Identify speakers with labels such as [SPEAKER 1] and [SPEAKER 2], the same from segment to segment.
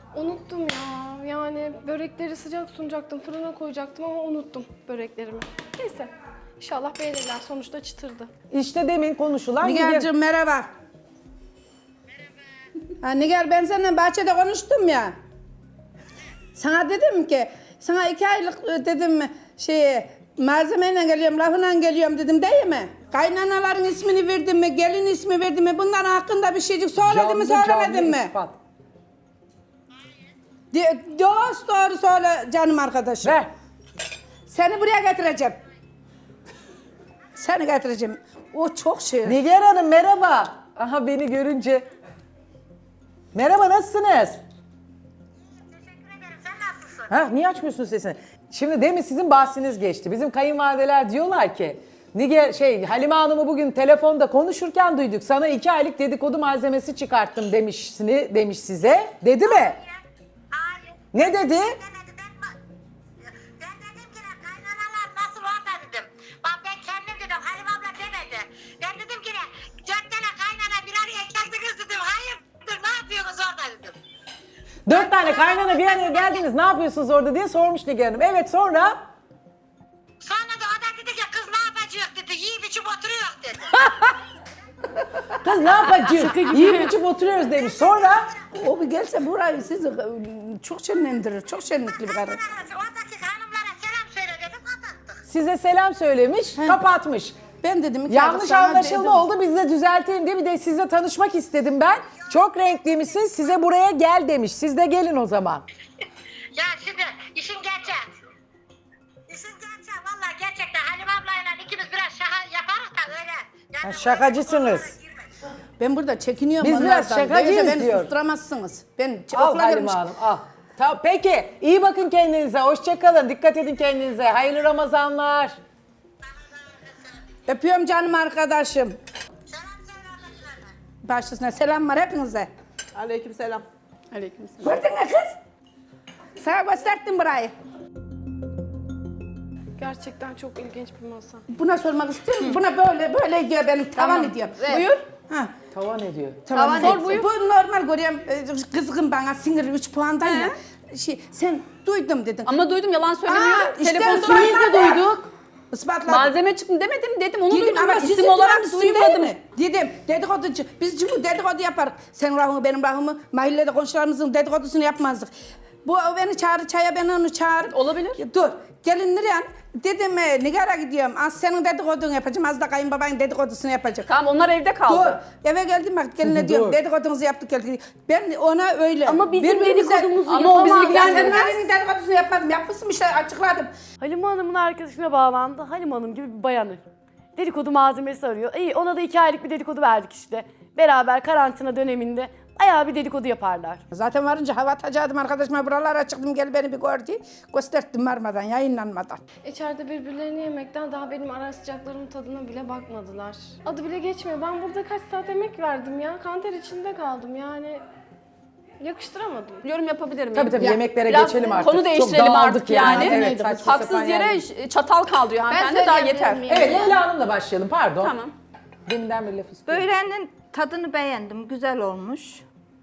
[SPEAKER 1] Unuttum ya. Yani börekleri sıcak sunacaktım, fırına koyacaktım ama unuttum böreklerimi. Neyse. İnşallah beğenirler. Sonuçta çıtırdı.
[SPEAKER 2] İşte demin konuşulan
[SPEAKER 3] Nigar'cığım merhaba. Merhaba. Ha, Nigar ben seninle bahçede konuştum ya. Sana dedim ki, sana 2 aylık dedim malzemeyle geliyorum, lafıyla geliyorum dedim değil mi? Kaynanaların ismini verdim mi, gelin ismi verdim mi, bunların hakkında bir şeycik söyledim mi, söylemedim mi?
[SPEAKER 2] ispat.
[SPEAKER 3] Doğru söyle canım arkadaşım.
[SPEAKER 2] Ver.
[SPEAKER 3] Seni buraya getireceğim. Seni getireceğim. O çok şey.
[SPEAKER 2] Nigar Hanım merhaba. Aha beni görünce. Merhaba nasılsınız?
[SPEAKER 4] Teşekkür ederim. Sen nasılsın?
[SPEAKER 2] Ha niye açmıyorsun sesini? Şimdi demin sizin bahsiniz geçti. Bizim kayınvalideler diyorlar ki Halime Hanım'ı bugün telefonda konuşurken duyduk. Sana 2 aylık dedikodu malzemesi çıkarttım demiş size. Dedi mi?
[SPEAKER 4] Hayır.
[SPEAKER 2] Ne dedi?
[SPEAKER 4] Demedi. Ben dedim ki kaynanalar nasıl orada dedim. Bak ben kendim dedim. Halim abla demedi. Ben dedim ki 4 tane kaynana bir araya geldiniz dedim. Hayırdır ne yapıyorsunuz orada dedim.
[SPEAKER 2] 4 tane kaynana bir araya geldiniz ne yapıyorsunuz orada diye sormuş Nigar Hanım. Evet sonra?
[SPEAKER 4] Sonra da o da dedi ki kız ne yapacak dedi. Yiyip içip oturuyor dedi.
[SPEAKER 2] Kız ne yapacağız? Yiyip içip oturuyoruz demiş. Sonra?
[SPEAKER 3] O bir gelse burayı sizi çok şenlendirir. Çok şenlikli bir karı.
[SPEAKER 4] Oradaki hanımlara selam söyle dedim kapattık.
[SPEAKER 2] Size selam söylemiş, kapatmış.
[SPEAKER 3] Ben dedim iki
[SPEAKER 2] Yanlış
[SPEAKER 3] aylık sana
[SPEAKER 2] anlaşılma
[SPEAKER 3] dedim.
[SPEAKER 2] oldu. Biz de düzeltelim diye bir de sizle tanışmak istedim ben. Çok renkliymişsiniz. Size buraya gel demiş. Siz de gelin o zaman.
[SPEAKER 4] Ya şimdi işin gerçeği. İşin gerçeği vallahi gerçekten Halim ablayla ikimiz biraz şaka yaparız da öyle. Yani
[SPEAKER 2] Ha, şakacısınız.
[SPEAKER 3] Ben burada çekiniyorum.
[SPEAKER 2] Biz biraz
[SPEAKER 3] onlardan.
[SPEAKER 2] şakacıyız
[SPEAKER 3] Beni
[SPEAKER 2] diyor.
[SPEAKER 3] susturamazsınız. Ben
[SPEAKER 2] Al
[SPEAKER 3] okula
[SPEAKER 2] Halime
[SPEAKER 3] gelmiş.
[SPEAKER 2] Hanım al. Tamam, peki iyi bakın kendinize. Hoşça kalın. Dikkat edin kendinize. Hayırlı Ramazanlar.
[SPEAKER 3] Öpüyorum canım arkadaşım.
[SPEAKER 4] Selam söyle oradakilerine.
[SPEAKER 3] Başlasına selam var hepinize.
[SPEAKER 5] Aleykümselam.
[SPEAKER 3] Gördün mü kız? Sana gösterdim burayı.
[SPEAKER 1] Gerçekten çok ilginç bir masa.
[SPEAKER 3] Buna sormak istiyorum. Buna böyle diyor benim tavan ediyor. Buyur. Ha.
[SPEAKER 2] Tavan ediyor.
[SPEAKER 3] Tamam.
[SPEAKER 1] Sor buyur.
[SPEAKER 3] Bu normal görüyorum. Kızgın bana sinirli 3 puandan ya. Sen duydum dedin.
[SPEAKER 6] Ama duydum yalan söylemiyorum.
[SPEAKER 3] işte
[SPEAKER 6] Telefon
[SPEAKER 3] ispatladı.
[SPEAKER 6] biz de duyduk.
[SPEAKER 3] Ispatladım.
[SPEAKER 6] Malzeme çıktı demedim dedim onu
[SPEAKER 3] Dedim
[SPEAKER 6] duydum
[SPEAKER 3] ama
[SPEAKER 6] ben
[SPEAKER 3] sizin
[SPEAKER 6] isim olarak
[SPEAKER 3] dedikodusu
[SPEAKER 6] duymadım.
[SPEAKER 3] değil mi? Dedim dedikoducu. Biz çünkü dedikodu yaparız. Senin rahmı benim rahmımı mahallede komşularımızın dedikodusunu yapmazdık. Bu o beni çağırır çaya ben onu çağırır.
[SPEAKER 6] Olabilir.
[SPEAKER 3] Dur gelinler yani. Dedim Nigar'a gidiyorum. Az senin dedikodunu yapacağım. Az da kayınbabanın dedikodusunu yapacağım.
[SPEAKER 6] Tamam onlar evde kaldı.
[SPEAKER 3] Dur eve geldim bak geline diyorum
[SPEAKER 2] Dur.
[SPEAKER 3] dedikodunuzu yaptık geldik. Ben ona öyle.
[SPEAKER 1] Ama bizim
[SPEAKER 3] Birbirimize-
[SPEAKER 1] dedikodumuzu
[SPEAKER 6] Ama o bizi
[SPEAKER 1] yapamaz.
[SPEAKER 6] ilgilendirmez.
[SPEAKER 3] Ben senin dedikodusunu yapmadım. Yapmışsın işte açıkladım.
[SPEAKER 7] Halime Hanım'ın arkadaşına bağlandı. Halime Hanım gibi bir bayanı. Dedikodu malzemesi arıyor. İyi ona da 2 aylık bir dedikodu verdik işte. Beraber karantina döneminde bayağı bir dedikodu yaparlar.
[SPEAKER 3] Zaten varınca hava atacaktım arkadaşıma buralara çıktım gel beni bir gör diye. Gösterdim varmadan yayınlanmadan.
[SPEAKER 1] İçeride birbirlerini yemekten daha benim ara sıcaklarımın tadına bile bakmadılar. Adı bile geçmiyor. Ben burada kaç saat emek verdim ya. Kanter içinde kaldım yani. Yakıştıramadım.
[SPEAKER 6] Yorum yapabilirim.
[SPEAKER 2] Tabii
[SPEAKER 6] yani.
[SPEAKER 2] yemeklere
[SPEAKER 6] Biraz
[SPEAKER 2] geçelim artık.
[SPEAKER 6] Konu
[SPEAKER 2] Çok
[SPEAKER 6] değiştirelim
[SPEAKER 2] dağıldık
[SPEAKER 6] artık yani.
[SPEAKER 2] Evet, saçma sapan
[SPEAKER 6] Haksız yere
[SPEAKER 2] yani.
[SPEAKER 6] çatal kaldırıyor hanımefendi daha yeter.
[SPEAKER 2] Evet Leyla Hanım'la başlayalım pardon.
[SPEAKER 6] Tamam.
[SPEAKER 2] Deminden bir laf istiyorum.
[SPEAKER 8] Böreğinin tadını beğendim, güzel olmuş.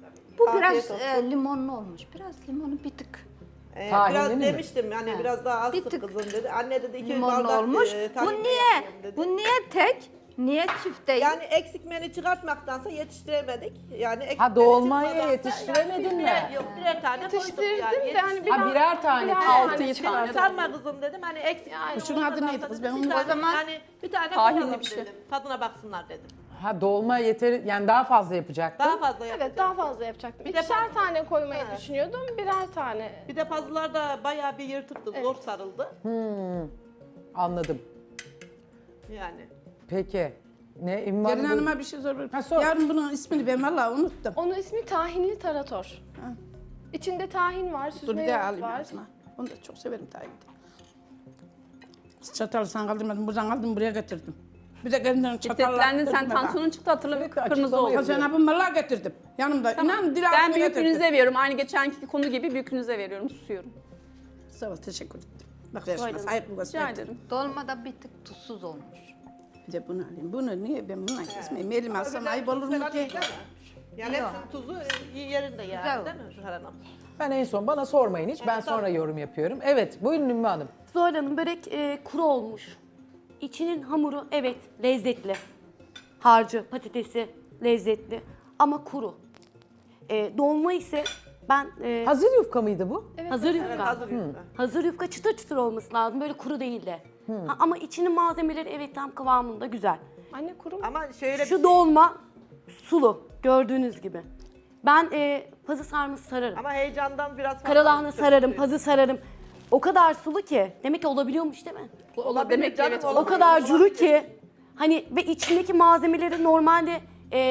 [SPEAKER 8] Bu
[SPEAKER 5] Afiyet
[SPEAKER 8] biraz
[SPEAKER 5] olsun.
[SPEAKER 8] limonlu olmuş. Biraz limonu bir tık
[SPEAKER 2] Tahinli
[SPEAKER 5] Biraz
[SPEAKER 2] mi?
[SPEAKER 5] demiştim hani biraz daha az
[SPEAKER 8] Bir
[SPEAKER 5] sık
[SPEAKER 8] tık
[SPEAKER 5] kızım dedi. Anne dedi 2
[SPEAKER 8] limonlu
[SPEAKER 5] bardak
[SPEAKER 8] olmuş.
[SPEAKER 5] tahin
[SPEAKER 8] Bu
[SPEAKER 5] yapayım
[SPEAKER 8] niye?
[SPEAKER 5] dedi.
[SPEAKER 8] Bu niye tek? Niye çift değil?
[SPEAKER 5] Yani eksik menü çıkartmaktansa yetiştiremedik. Yani eksik
[SPEAKER 2] Ha,
[SPEAKER 5] menü
[SPEAKER 2] dolmayı
[SPEAKER 5] çıkmadansa
[SPEAKER 2] yetiştiremedin
[SPEAKER 5] yani
[SPEAKER 2] mi?
[SPEAKER 5] Yok birer tane koyduk
[SPEAKER 1] Yetiştirdim
[SPEAKER 5] yani.
[SPEAKER 1] de hani
[SPEAKER 2] Ha, birer tane.
[SPEAKER 6] Altı
[SPEAKER 1] çıkar.
[SPEAKER 6] tane.
[SPEAKER 5] Sarma kızım dedim hani eksik menü
[SPEAKER 3] Şunun adı
[SPEAKER 5] olmadansa
[SPEAKER 3] neydi kız?
[SPEAKER 5] dedim,
[SPEAKER 3] Ben
[SPEAKER 5] bir
[SPEAKER 3] onu-
[SPEAKER 5] tane-
[SPEAKER 8] O zaman
[SPEAKER 5] hani bir tane
[SPEAKER 6] tahinli
[SPEAKER 5] koyalım
[SPEAKER 6] bir şey.
[SPEAKER 5] dedim. Tadına baksınlar dedim.
[SPEAKER 2] Ha dolma yeter yani daha fazla yapacaktın.
[SPEAKER 5] Daha fazla yapacağım.
[SPEAKER 1] Evet daha fazla yapacaktım.
[SPEAKER 5] Bir de
[SPEAKER 1] İkişer
[SPEAKER 5] fazla-
[SPEAKER 1] tane koymayı
[SPEAKER 5] Ha.
[SPEAKER 1] düşünüyordum. Birer tane.
[SPEAKER 5] Bir de pazılar da bayağı bir yırtıktı. Zor sarıldı.
[SPEAKER 2] Anladım.
[SPEAKER 5] Yani.
[SPEAKER 2] Peki. Ne İmvan
[SPEAKER 3] Gelin hanıma bir şey soruyorum.
[SPEAKER 2] Ha, sor.
[SPEAKER 3] Yarın bunun ismini ben vallahi unuttum.
[SPEAKER 1] Onun ismi tahinli tarator. İçinde tahin var,
[SPEAKER 3] Dur
[SPEAKER 1] süzme
[SPEAKER 3] bir daha
[SPEAKER 1] yoğurt
[SPEAKER 3] alayım
[SPEAKER 1] var.
[SPEAKER 3] ağzıma. Onu da çok severim tabii. Çatalı sen kaldırmadın, buradan aldım buraya getirdim. Bir de kendinden çatalla.
[SPEAKER 6] Şiddetlendin sen tansiyonun çıktı hatırlamıyorum kıpkırmızı
[SPEAKER 2] açıklama
[SPEAKER 6] oldu.
[SPEAKER 3] Sen yapın vallahi getirdim. Yanımda. İnan dil
[SPEAKER 6] Ben
[SPEAKER 3] altına getirdim.
[SPEAKER 6] büyüklüğünüze veriyorum. Aynı geçenki konu gibi büyüklüğünüze veriyorum. Susuyorum.
[SPEAKER 3] Sağ ol teşekkür ederim. Bak yaşma sahip bu
[SPEAKER 6] Rica
[SPEAKER 3] gösterdi.
[SPEAKER 6] ederim.
[SPEAKER 8] dolmada bir tık tuzsuz olmuş.
[SPEAKER 3] Bir de bunu alayım. Bunu niye ben bununla kesmeyeyim? Elime alsam ayıp olur mu ki?
[SPEAKER 5] Yani
[SPEAKER 8] Yok.
[SPEAKER 5] hepsinin tuzu yerinde yani
[SPEAKER 8] Güzel
[SPEAKER 5] değil mi Zuhal Hanım?
[SPEAKER 2] Ben en son bana sormayın hiç. Ben sonra yorum yapıyorum. Evet buyurun Ümmü Hanım.
[SPEAKER 7] Zuhal Hanım börek kuru olmuş. İçinin hamuru evet lezzetli. Harcı, patatesi lezzetli ama kuru. Dolma ise ben
[SPEAKER 2] Hazır yufka mıydı bu?
[SPEAKER 7] hazır yufka.
[SPEAKER 5] Evet, hazır yufka.
[SPEAKER 7] Hazır yufka çıtır çıtır olması lazım. Böyle kuru değil de. Ha, ama içinin malzemeleri evet tam kıvamında güzel.
[SPEAKER 1] Anne kuru mu?
[SPEAKER 5] Ama şöyle
[SPEAKER 7] Şu dolma sulu gördüğünüz gibi. Ben pazı sarması sararım.
[SPEAKER 5] ama heyecandan biraz fazla
[SPEAKER 7] Karalahana sararım,
[SPEAKER 5] söylüyor.
[SPEAKER 7] pazı sararım. O kadar sulu ki. Demek ki olabiliyormuş değil mi?
[SPEAKER 5] Olabilir
[SPEAKER 6] Demek ki
[SPEAKER 5] canım,
[SPEAKER 6] evet,
[SPEAKER 5] olabilir.
[SPEAKER 7] O kadar curu ki. Hani ve içindeki malzemeleri normalde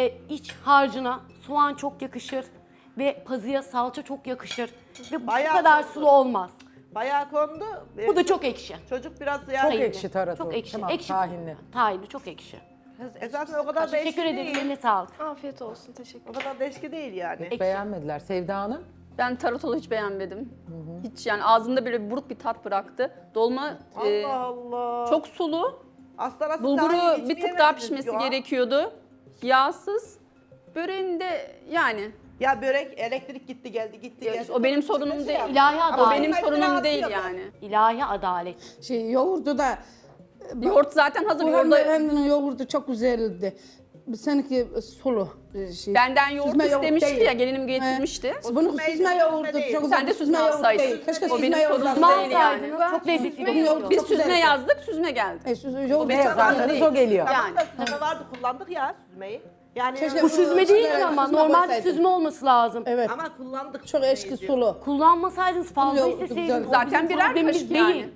[SPEAKER 7] iç harcına soğan çok yakışır. Ve pazıya salça çok yakışır. Ve bu
[SPEAKER 5] Bayağı
[SPEAKER 7] kadar
[SPEAKER 5] kondu.
[SPEAKER 7] sulu olmaz.
[SPEAKER 5] Bayağı kondu.
[SPEAKER 7] Bu da çok ekşi.
[SPEAKER 5] Çocuk biraz yani...
[SPEAKER 2] Çok ekşi tarator.
[SPEAKER 7] Çok ekşi.
[SPEAKER 2] Tamam,
[SPEAKER 7] ekşi.
[SPEAKER 2] tahinli.
[SPEAKER 7] Tahinli çok ekşi.
[SPEAKER 5] Zaten o kadar da
[SPEAKER 7] Teşekkür
[SPEAKER 5] eşki
[SPEAKER 7] ederim.
[SPEAKER 5] değil.
[SPEAKER 7] Eline sağlık.
[SPEAKER 1] Afiyet olsun. Teşekkür
[SPEAKER 5] O kadar da eşki değil yani.
[SPEAKER 2] Beğenmediler. Sevda Hanım.
[SPEAKER 6] Ben taratoru hiç beğenmedim. Hiç yani ağzımda böyle buruk bir tat bıraktı. Dolma
[SPEAKER 5] Allah Allah.
[SPEAKER 6] çok sulu.
[SPEAKER 5] Aslan aslan
[SPEAKER 6] Bulguru bir tık daha pişmesi gerekiyordu. Yağsız. Böreğinde yani
[SPEAKER 5] Ya börek elektrik gitti geldi gitti geldi.
[SPEAKER 6] o benim sorunum değil.
[SPEAKER 7] İlahi
[SPEAKER 6] O
[SPEAKER 7] adalet.
[SPEAKER 6] benim sorunum
[SPEAKER 5] rahat
[SPEAKER 6] değil
[SPEAKER 5] yok.
[SPEAKER 6] yani.
[SPEAKER 7] İlahi adalet.
[SPEAKER 3] Yoğurdu da
[SPEAKER 6] Yoğurt zaten hazır.
[SPEAKER 3] bu
[SPEAKER 6] Yoğurda
[SPEAKER 3] hanımefendinin yoğurdu çok güzeldi. Seninki sulu şey.
[SPEAKER 6] benden yoğurt
[SPEAKER 3] Süzme yoğurt
[SPEAKER 6] istemişti
[SPEAKER 3] değil.
[SPEAKER 6] ya, gelinim getirmişti.
[SPEAKER 3] Bunun
[SPEAKER 5] süzme
[SPEAKER 3] süzme
[SPEAKER 5] değil,
[SPEAKER 3] yoğurdu
[SPEAKER 5] süzme
[SPEAKER 3] çok
[SPEAKER 5] değil.
[SPEAKER 3] güzel.
[SPEAKER 6] Sen de
[SPEAKER 3] Bu
[SPEAKER 6] süzme
[SPEAKER 3] yoğurt
[SPEAKER 6] alsaydın.
[SPEAKER 3] değil. Keşke
[SPEAKER 6] O
[SPEAKER 3] süzme
[SPEAKER 6] benim
[SPEAKER 3] yoğurt
[SPEAKER 6] sorunum
[SPEAKER 3] alsaydın.
[SPEAKER 6] değil yani.
[SPEAKER 7] Alsaydınız çok lezzetli
[SPEAKER 3] Bunun yoğurdu
[SPEAKER 7] olur.
[SPEAKER 6] Biz
[SPEAKER 3] çok
[SPEAKER 6] süzme
[SPEAKER 3] güzeldi.
[SPEAKER 6] yazdık, süzme geldi.
[SPEAKER 3] Yoğurt
[SPEAKER 2] Ne
[SPEAKER 3] çok
[SPEAKER 2] yazarsanız
[SPEAKER 3] güzeldi.
[SPEAKER 2] o geliyor.
[SPEAKER 5] Tamam
[SPEAKER 6] Yani.
[SPEAKER 5] da süzme vardı kullandık ya süzmeyi. Yani
[SPEAKER 3] Keşke
[SPEAKER 7] Bu süzme değil ki ama
[SPEAKER 3] Süzme
[SPEAKER 7] normalde
[SPEAKER 3] koysaydın.
[SPEAKER 7] süzme olması lazım.
[SPEAKER 3] Evet.
[SPEAKER 5] ama kullandık
[SPEAKER 3] Çok eşki
[SPEAKER 5] süzmeyi.
[SPEAKER 3] sulu.
[SPEAKER 7] Kullanmasaydınız fazla
[SPEAKER 3] Yoğurdu
[SPEAKER 7] isteseydiniz.
[SPEAKER 3] güzel.
[SPEAKER 7] o
[SPEAKER 6] Zaten
[SPEAKER 7] bizim
[SPEAKER 6] birer
[SPEAKER 7] problemimiz
[SPEAKER 6] kaşık
[SPEAKER 7] değil.
[SPEAKER 6] yani.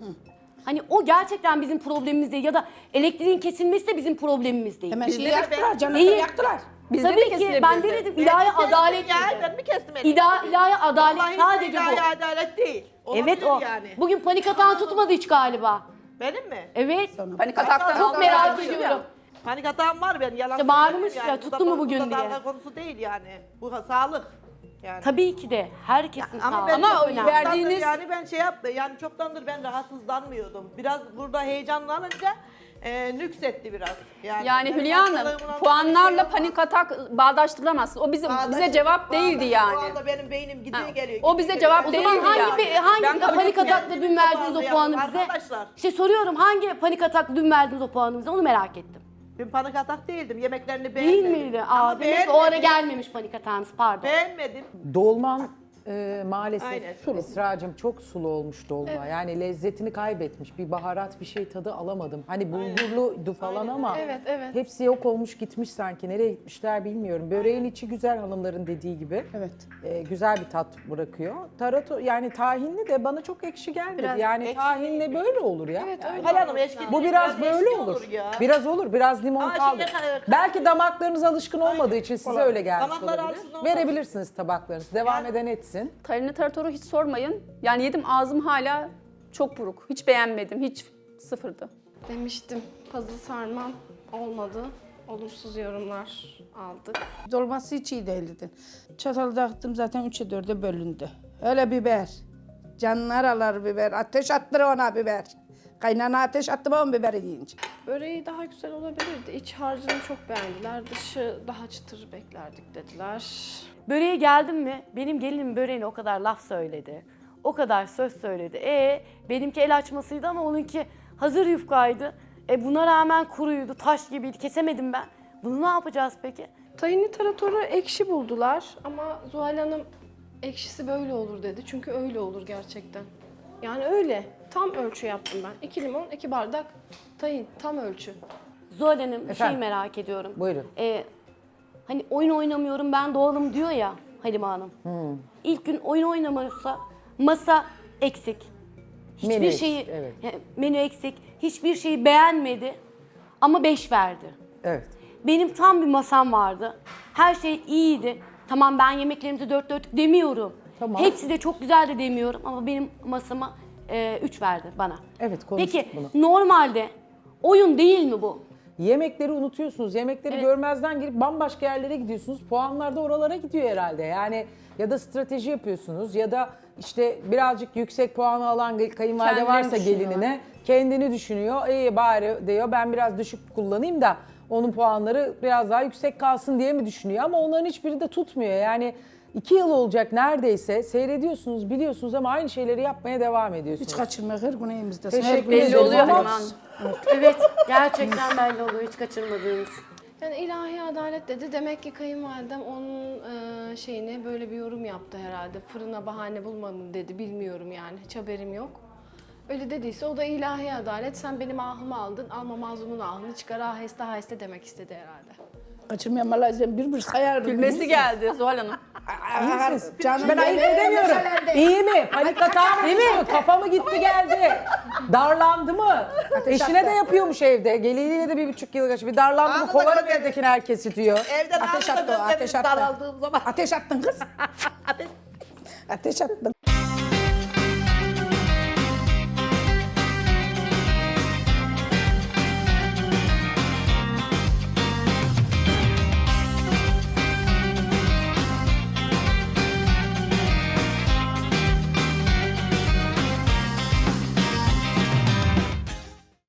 [SPEAKER 7] Hani o gerçekten bizim problemimiz değil ya da elektriğin kesilmesi de bizim problemimiz değil.
[SPEAKER 3] Hemen
[SPEAKER 5] Bizde
[SPEAKER 3] şeyi
[SPEAKER 5] de
[SPEAKER 3] yaktılar, canını
[SPEAKER 7] Değil.
[SPEAKER 3] yaktılar.
[SPEAKER 6] Bizde de
[SPEAKER 7] Tabii ki
[SPEAKER 6] kesilebilirdi.
[SPEAKER 7] ben denedim ilahi adalet
[SPEAKER 5] Ya
[SPEAKER 7] dedi.
[SPEAKER 5] ben mi kestim elini?
[SPEAKER 7] İlahi adalet
[SPEAKER 5] Vallahi
[SPEAKER 7] sadece
[SPEAKER 5] ilahi
[SPEAKER 7] bu.
[SPEAKER 5] adalet değil. Olabilir
[SPEAKER 7] Evet o.
[SPEAKER 5] yani.
[SPEAKER 7] Bugün panik atan tutmadı hiç galiba.
[SPEAKER 5] Benim mi?
[SPEAKER 7] Evet.
[SPEAKER 6] Panik ataktan
[SPEAKER 7] Çok
[SPEAKER 6] aldım.
[SPEAKER 7] merak
[SPEAKER 6] Ya.
[SPEAKER 7] ediyorum.
[SPEAKER 5] Panik atağım var ben yalan
[SPEAKER 7] İşte bağırmış
[SPEAKER 5] söylemiyorum
[SPEAKER 7] ya,
[SPEAKER 5] Bu
[SPEAKER 7] tuttu
[SPEAKER 5] da-
[SPEAKER 7] mu bugün
[SPEAKER 5] bu da
[SPEAKER 7] diye.
[SPEAKER 5] dalga konusu değil yani. Bu sağlık. Yani.
[SPEAKER 7] Tabii ki de herkesin
[SPEAKER 5] Ama
[SPEAKER 7] sağlığı.
[SPEAKER 5] ben
[SPEAKER 6] Ama
[SPEAKER 5] çok-
[SPEAKER 6] o
[SPEAKER 7] önemli.
[SPEAKER 6] verdiğiniz-
[SPEAKER 5] yani ben şey yaptım yani çoktandır ben rahatsızlanmıyordum. Biraz burada heyecanlanınca nüksetti biraz.
[SPEAKER 6] Yani
[SPEAKER 5] benim
[SPEAKER 6] Hülya Hanım,
[SPEAKER 5] hastalığımın
[SPEAKER 6] puanlarla
[SPEAKER 5] şey
[SPEAKER 6] panik atak bağdaştıramaz. O bize
[SPEAKER 5] olmaz.
[SPEAKER 6] cevap değildi
[SPEAKER 5] O
[SPEAKER 6] yani.
[SPEAKER 5] anda benim beynim gidiyor
[SPEAKER 6] Ha,
[SPEAKER 5] geliyor.
[SPEAKER 6] o bize cevap
[SPEAKER 7] O
[SPEAKER 6] değildi
[SPEAKER 7] zaman hangi
[SPEAKER 6] yani.
[SPEAKER 7] hangi
[SPEAKER 6] Ben kabul
[SPEAKER 7] panik
[SPEAKER 6] etmiyorum.
[SPEAKER 7] atakla dün verdiğiniz o puanı bize?
[SPEAKER 5] Arkadaşlar
[SPEAKER 7] İşte soruyorum hangi panik atakla dün verdiğiniz o puanı bize onu merak ettim.
[SPEAKER 5] ben panik atak değildim. Yemeklerini
[SPEAKER 7] Değil
[SPEAKER 5] beğenmedim.
[SPEAKER 7] miydi?
[SPEAKER 5] Ama
[SPEAKER 7] Aa, demek ki o ara
[SPEAKER 5] beğenmedim.
[SPEAKER 7] gelmemiş panik atağınız pardon.
[SPEAKER 5] Beğenmedim.
[SPEAKER 2] Dolman maalesef
[SPEAKER 5] Aynen.
[SPEAKER 2] Esra'cığım çok sulu olmuş dolma. Yani lezzetini kaybetmiş. Bir baharat bir şey tadı alamadım. Hani bulgurluydu falan ama
[SPEAKER 1] Evet, evet.
[SPEAKER 2] hepsi yok olmuş gitmiş sanki. Nereye gitmişler bilmiyorum. Böreğin içi güzel hanımların dediği gibi.
[SPEAKER 3] Evet.
[SPEAKER 2] Güzel bir tat bırakıyor. Tarato yani tahinli de bana çok ekşi gelmedi.
[SPEAKER 5] Biraz
[SPEAKER 2] yani
[SPEAKER 5] ekşi
[SPEAKER 2] tahinli böyle olur ya.
[SPEAKER 1] Evet öyle.
[SPEAKER 5] Hal Hanım eşki
[SPEAKER 2] Bu
[SPEAKER 5] değil,
[SPEAKER 2] biraz böyle
[SPEAKER 5] eşki
[SPEAKER 2] olur.
[SPEAKER 5] ya.
[SPEAKER 2] Biraz olur. Biraz limon
[SPEAKER 5] Ama
[SPEAKER 2] kaldı.
[SPEAKER 5] şimdi-
[SPEAKER 2] Belki damaklarınız alışkın olmadığı için size öyle gelmiş
[SPEAKER 5] Damakları
[SPEAKER 2] olabilir.
[SPEAKER 5] alışkın olmadı.
[SPEAKER 2] Verebilirsiniz tabaklarınızı. Devam eden etsin.
[SPEAKER 6] Tarini taratoru hiç sormayın. Yani yedim, ağzım hala çok buruk. Hiç beğenmedim. Hiç sıfırdı.
[SPEAKER 1] Demiştim pazı sarmam olmadı. Olumsuz yorumlar aldık.
[SPEAKER 3] Dolması hiç iyi değildi. Çatal dağıttım zaten 3'e 4'e bölündü. Öyle biber. Canlar alır biber. Ateş attır ona biber. Kaynana ateş attı on biberi yiyince.
[SPEAKER 1] Böreği daha güzel olabilirdi. İç harcını çok beğendiler. Dışı daha çıtır beklerdik dediler.
[SPEAKER 7] Böreğe geldim mi benim gelinim böreğine o kadar laf söyledi. O kadar söz söyledi. Benimki el açmasıydı ama onunki hazır yufkaydı. Buna rağmen kuruydu, taş gibiydi. Kesemedim ben. Bunu ne yapacağız peki?
[SPEAKER 1] Tahinli taratoru ekşi buldular ama Zuhal Hanım ekşisi böyle olur dedi. Çünkü öyle olur gerçekten. Yani öyle. Tam ölçü yaptım ben. 2 limon, 2 bardak tahin. Tam ölçü.
[SPEAKER 7] Zuhal Hanım bir şey
[SPEAKER 2] Efendim?
[SPEAKER 7] merak ediyorum.
[SPEAKER 2] Buyurun.
[SPEAKER 7] Hani oyun oynamıyorum ben doğalım diyor ya Halime Hanım. İlk gün oyun oynamıyorsa masa eksik. Hiçbir
[SPEAKER 2] Menü eksik,
[SPEAKER 7] şeyi
[SPEAKER 2] evet.
[SPEAKER 7] menü eksik. Hiçbir şeyi beğenmedi ama 5 verdi.
[SPEAKER 2] Evet.
[SPEAKER 7] Benim tam bir masam vardı. Her şey iyiydi. Tamam ben yemeklerimizi dört dörtlük demiyorum.
[SPEAKER 2] Tamam.
[SPEAKER 7] Hepsi de çok güzel de demiyorum ama benim masama 3 verdi bana.
[SPEAKER 2] Evet, konuştuk
[SPEAKER 7] Peki
[SPEAKER 2] bunu.
[SPEAKER 7] normalde oyun değil mi bu?
[SPEAKER 2] Yemekleri unutuyorsunuz. Yemekleri görmezden gelip bambaşka yerlere gidiyorsunuz. Puanlar da oralara gidiyor herhalde. Yani ya da strateji yapıyorsunuz ya da işte birazcık yüksek puanı alan kayınvalide
[SPEAKER 6] Kendini
[SPEAKER 2] varsa
[SPEAKER 6] düşünüyor.
[SPEAKER 2] gelinine kendini düşünüyor. İyi bari diyor ben biraz düşük kullanayım da onun puanları biraz daha yüksek kalsın diye mi düşünüyor? Ama onların hiçbiri de tutmuyor. Yani 2 yıl olacak neredeyse. Seyrediyorsunuz, biliyorsunuz ama aynı şeyleri yapmaya devam ediyorsunuz.
[SPEAKER 3] Hiç kaçırma her gün evimizde.
[SPEAKER 2] Teşekkür
[SPEAKER 6] Belli
[SPEAKER 2] ederim
[SPEAKER 6] oluyor
[SPEAKER 2] ama-
[SPEAKER 6] Halime Hanım.
[SPEAKER 7] Evet, gerçekten belli oluyor hiç kaçırmadığınız.
[SPEAKER 1] Yani ilahi adalet dedi. Demek ki kayınvalidem onun şeyine böyle bir yorum yaptı herhalde. Fırına bahane bulmadım dedi. Bilmiyorum yani. Hiç haberim yok. Öyle dediyse o da ilahi adalet. Sen benim ahımı aldın. Alma mazlumun ahını çıkar aheste aheste demek istedi herhalde.
[SPEAKER 3] Kaçırmayan vallahi bir sayardım.
[SPEAKER 6] Gülmesi geldi Zuhal Hanım.
[SPEAKER 3] İyi misiniz? Canım
[SPEAKER 2] Ben ayırt edemiyorum. İyi mi? Panik atağı mı? Kafa mı gitti geldi? Darlandı mı? Eşine de yapıyormuş evde. Geliniyle de 1,5 yıl geçti. Bir darlandı mı?
[SPEAKER 5] Ağzına
[SPEAKER 2] Kovarım
[SPEAKER 5] göre-
[SPEAKER 2] evdekini herkes diyor.
[SPEAKER 5] Evden
[SPEAKER 3] Ateş
[SPEAKER 5] ağzına
[SPEAKER 3] attı o, ateş
[SPEAKER 5] gönderip
[SPEAKER 3] attı.
[SPEAKER 5] daraldığım zaman.
[SPEAKER 3] Ateş attın kız. Ateş attın.